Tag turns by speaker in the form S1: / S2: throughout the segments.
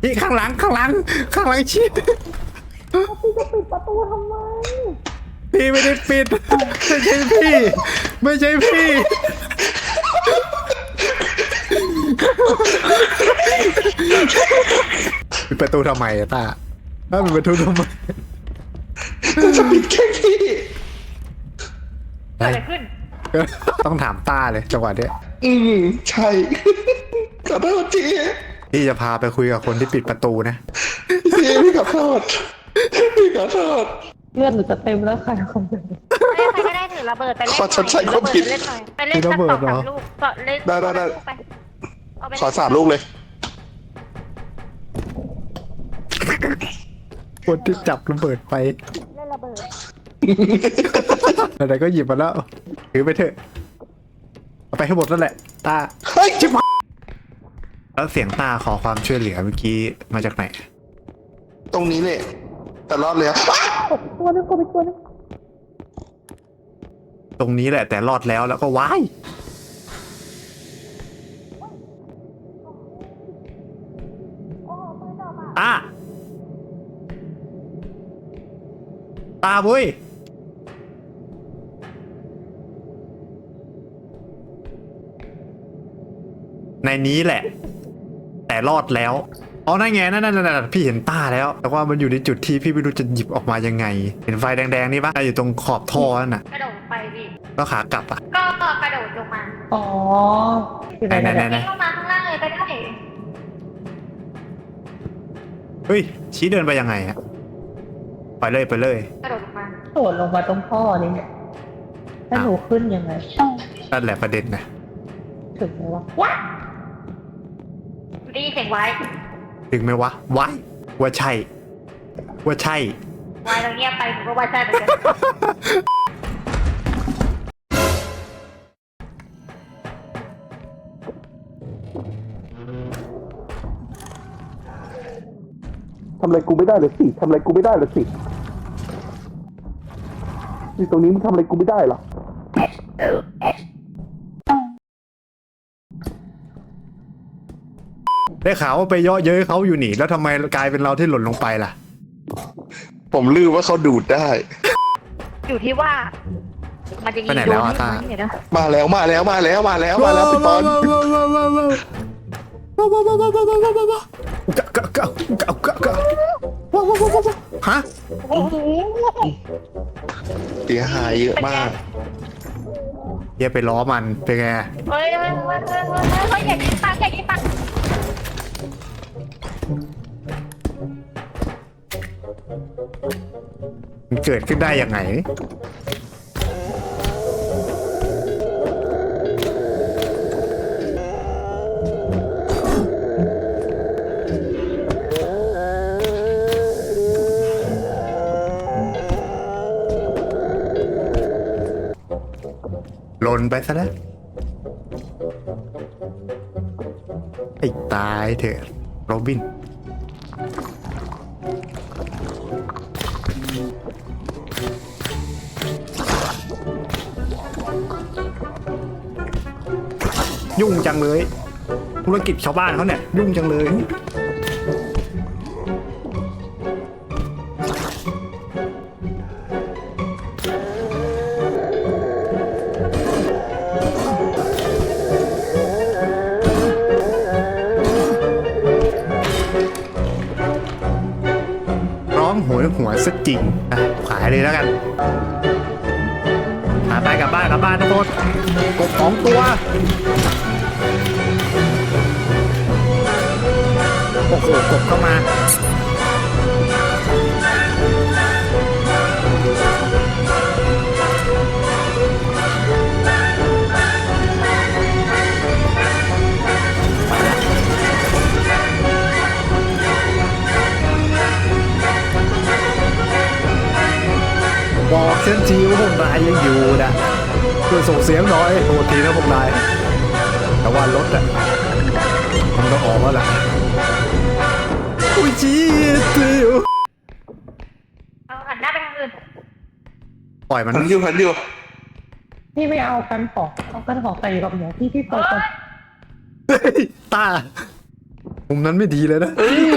S1: พี่ข้างหลังชิด
S2: พี่จะปิดประตูทำไม
S1: พี่ไม่ได้ปิดไม่ใช่พี่ปิดประตูทำไมอะตาถ้าปิดประตูทำไม
S3: จะปิดแค่พี่
S4: เกิดอะไรขึ้น
S1: ต้องถามตาเลยจังหวะเนี้ย
S3: ใช่ขอโทษที
S1: พี่จะพาไปคุยกับคนที่ปิดประตูนะ
S3: พี่ขอโทษพี่ขอโทษ
S2: เลือดหรือจะเต็มแล้วใครคงจะ
S4: ใครก็ได้ถือระเบิดไปเล่นห
S3: ขอชดใช้ความผิด
S4: เล่นหน่อยไปเล่นสัก2-3 ลูกก็เล่น
S3: ได้
S4: ไปเอาไป
S3: ขอ3 ลูกเลย
S1: คนที่จับระเบิดไป
S4: เล่นระเบิด
S1: ไหนๆก็หยิบมาแล้วถือไปเถอะเอาไปให้หมดนั่นแหละตา
S3: เฮ้ยชิบหาย
S1: แล้วเสียงตาขอความช่วยเหลือเมื่อกี้มาจากไหน
S3: ตรงนี้เลยแต่รอดเลยอะ
S2: ตัวนึงก็ไปตัวนึง
S1: ตรงนี้แหละแต่รอดแล้วก็ว้ายตาบุ้ยในนี้แหละ แต่รอดแล้วอ๋อนั่นไงนั่นพี่เห็นต้าแล้ว แต่ว่ามันอยู่ในจุดที่พี่ไม่รู้จะหยิบออกมายังไง เห็นไฟแดงๆนี่ปะอยู่ตรงขอบท่อนั่นน่ะ
S4: กระโดดไปพี่
S1: ก็ขากลับอ่ะ
S4: ก็กระโดดลงมา
S2: อ๋ออยู่ไหน
S1: ไหน
S4: วิ่งลงมาข้างล่างเลยก็ได้
S1: เฮ้ยชี้เดินไปยังไงอะไปเลย
S4: กระโดดลงมา
S2: โดดลงมาตรงท่อนี่เนี่ยถ้าหนูขึ้นยังไง
S1: นั่นแหละประเด็นนะ
S2: ถึงไหมวะว้า
S4: ดีเสียงไว้
S1: ถึงไหมวะว้ายว่าใช่
S4: ไว้เราเงียบไปผมก็ว่าใช่เหมือนกัน
S3: ทำอะไรกูไม่ได้เลยสินี่ตรงนี้มึงทำอะไรกูไม่ได้หรอ
S1: ได้ข่าวว่าไปเยาะเย้ยเขาอยู่หนีแล้วทำไมกลายเป็นเราที่หล่นลงไปล่ะ
S3: ผมลืมว่าเขาดูดได้
S4: อยู่ที่ว่า มันจะยิง
S1: ไปไหน
S4: โด
S1: แล้ว
S4: น
S1: อะ
S4: ที่
S1: ตา
S4: มันเนี่ยนะ
S3: มาแล้วพี่ปอน
S1: ฮะ
S4: โอ้โห
S3: เสียหายเยอะมาก
S1: เฮียไปล้อมันเป็นไง
S4: เฮ้ยอย่ายิงปัง
S1: มันเกิดขึ้นได้ยังไงหล่นไปซะแล้วให้ตายเถอะโรบิน ยุ่งจังเลยธุรกิจชาวบ้านเขาเนี่ยยุ่งจังเลยร้องโหยหัวซะจริงอ่ะขายเลยแล้วกันไปกลับบ้านทุกคนกบ2 ตัวโอ้โหกบเข้ามาบอกเส้นทีว่าพวกนายยังอยู่นะช่วยส่งเสียงหน่อยโทษทีนะพวกนายแต่ว่ารถอะมันก็ออกแล้วล่ะอุ้ยจี๊ดเดียว
S4: เอาหันหน้าไปทางอื่น
S1: ปล่อยมัน
S3: หันอยู่
S2: พี่ไม่เอากันของเอากันของใส่กับหนูพี่เปิดก่อน
S1: เฮ้ยตามุมนั้นไม่ดีเลยนะ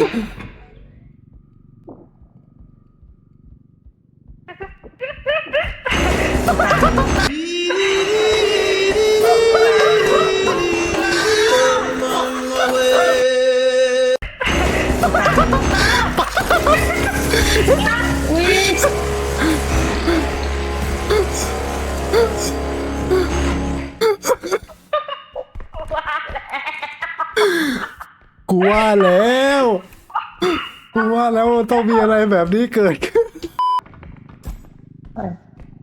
S1: กูว่าแล้วกูว่าแล้วต้องมีอะไรแบบนี้เกิดขึ้น
S2: เอ้ย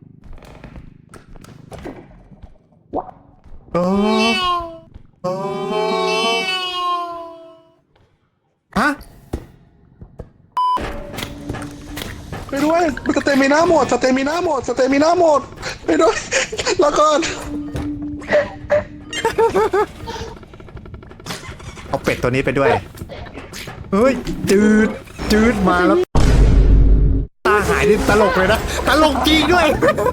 S1: โอ้โอ้ฮะ
S3: ไปด้วยสเตมิน่าหมดสเตมิน่าหมดสเตมิน่าหมดไปด้วยแล้วก่อน
S1: เอาเป็ดตัวนี้ไปด้วย เฮ้ย จืดมาแล้ว ตาหายนี่ตลกเลยนะ ตลกจริงด้วย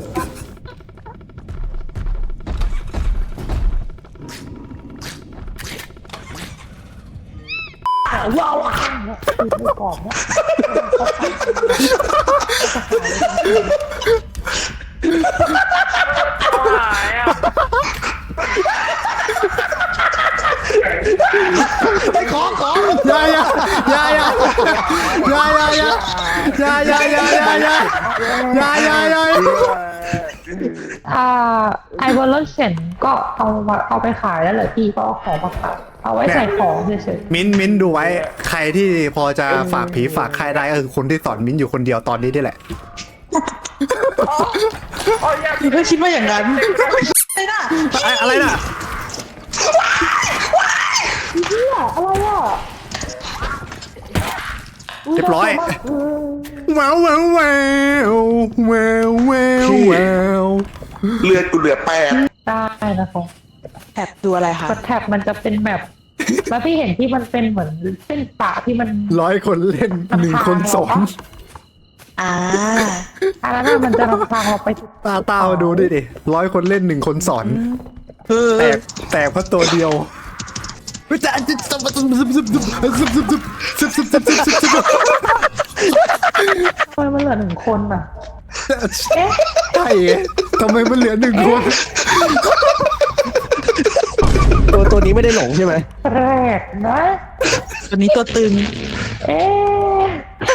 S2: ว้าวเนี่ยติดในกรอบเนี่ย
S4: หายอ่ะ
S3: ไอ้ขอ
S1: อย่า
S2: ไอบอลรถเข็นก็เอาไปขายแล้วเหรอพี่ก็เอาของมาขายเอาไว้ใส่ของเฉย
S1: มิ้นดูไว้ ใครที่พอจะฝากผีฝากใครได้ก็คือคนที่สอนมิ้นอยู่คนเดียวตอนนี้นี่แหละ
S5: พี่ก็คิดว่าอย่างนั้นไม่น่า
S1: อะไรน่ะ
S2: ๆเนี่ยอะไรอ่ะ
S1: เรียบร้อยแววแววแววแววแววแวว
S3: เลือดกูเหลือ8
S2: ได้นะคะ
S5: แอบดูอะไรคะ
S2: กดแท็บมันจะเป็นแบบแล้วพี่เห็นที่มันเป็นเหมือนเส้นปะที่มัน
S1: 100 คนเล่น1 คนสอน
S5: อ่า
S2: อันนั้นนะมันจะนำทางเราไปถูก
S1: ตามาดูดิ100 คนเล่น1 คนสอน
S5: เออ
S1: แตกเพราะตัวเดียวจะ
S2: ทำไมมันเหลือ1 คนอ่ะ
S1: ใช่ทำไมมันเหลือ1 คน
S6: ตัวนี้ไม่ได้หลงใช่ไหม
S2: แปลกนะ
S5: ตัวนี้ตัวตึง
S2: เอ๊ะ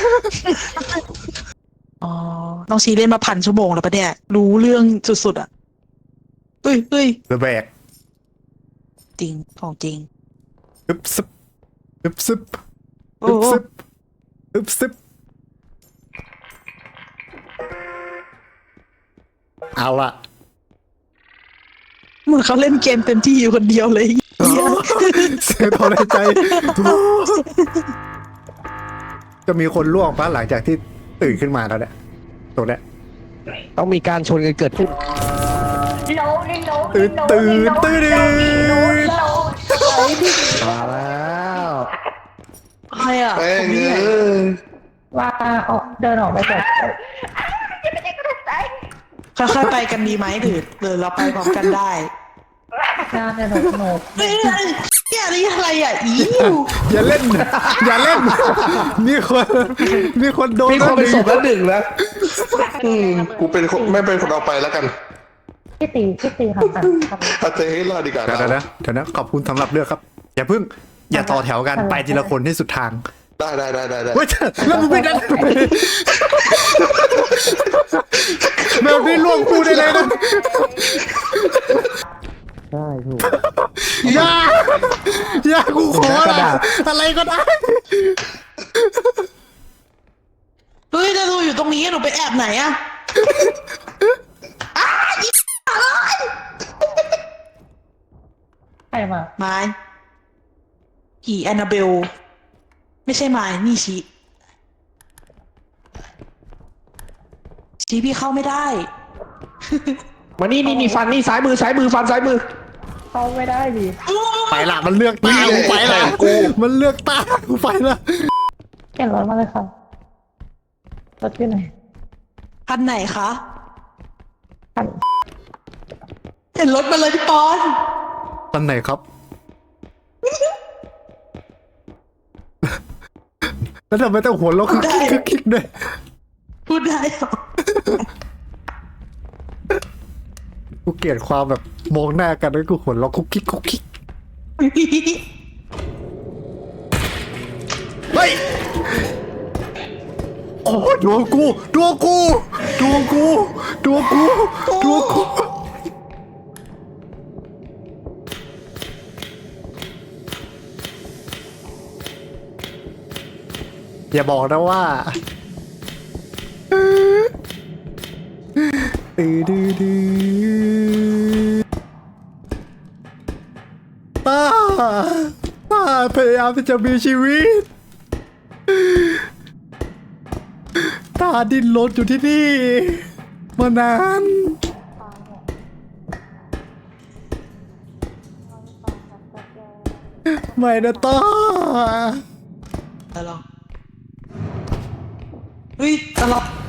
S5: อ๋อ น้องชีเล่นมา1,000 ชั่วโมงแล้วปะเนี่ย รู้เรื่องสุดๆอ่ะเฮ้ย
S1: ระแบก
S5: จริง ของจริง
S1: อึบซึบอึบซึบ
S5: โอ้
S1: อึบซึบอึบซึบเอาละ
S5: เหมือนเขาเล่นเกมเต็มที่อยู่คนเดียวเลย
S1: เสียถอนใจ จะมีคนล่วงปะหลังจากที่ตื่นขึ้นมาแล้วเนี่ยตรงเนี้ย
S6: ต้องมีการชนกันเกิดขึ้น
S4: โน้นี่โน้
S1: ตื่น
S6: มาแล้ว
S5: ใครอ่ะ
S3: แม่ง
S5: ผมไม่
S3: เอ
S5: เห็น
S3: อ
S2: ว่าออกเดินออกไปแบบ
S4: ยังไม่ได้กระใจ
S5: ค่อยๆไปกันดีไหมหรือเราไปพร้อมกันได้
S2: งานเนี่ยหนู
S5: เฮ้ยเนี่ยนี่อะไรอ่ะอี
S1: อย่าเล่น อย่าเล่น มีคนโดน
S6: มีคนเป็นศพแล้ว1แล้ว
S3: กูเป็นคนไม่เป็นคนเอาไปแล้วกัน
S2: พี่ตีค่ะ
S3: ถ้าเจให้รอดดีกว่า
S1: เดี๋ยวนะขอบคุณสำหรับเลือกครับ อย่าเพิ่ง อย่าต่อแถวกันไปทีละคนให้สุดทาง
S3: ได้
S1: เฮ้ยแล้วมึงไม่ได้แบบนี้ล่วงกูได้เลยนะ
S6: ใช่ถูก
S1: อย่ากูขอละอะไรก็ได้
S5: เฮ้ยถ้าดูอยู่ตรงนี้หนูไปแอบไหนอ่ะ
S2: ใครมา
S5: ไม้ผีแอนนาเบล ไม่ใช่ไม้นี่ชี้พี่เข้าไม่ได้
S6: มานี่ฟันนี่ซ้ายมือฟันซ้ายมือ
S2: เข้าไม่ได้ดิ
S1: ไปละมันเลือกตากูไปละมันเลือกตากูไปละ
S2: เข็นรถมาเลยค่ะรถที่ไหน
S5: คันไหนคะ
S2: คัน
S5: เห็นรถมาเลยพี่ปอน
S1: ตอนไหนครับแล้วทำไมต้องหัวเราะคิกด้วย
S5: พูดได้เหรอ
S1: กูเกลียดความแบบมองหน้ากันแล้วกูหัวเราะคุกคิกเฮ้ยโอ้ดวงกูอย่าบอกนะว่าป้าพยายามที่จะมีชีวิตตาดิ้นรนอยู่ที่นี่มานานไม่นะต้า
S5: ตลอดเฮ้ยตลอด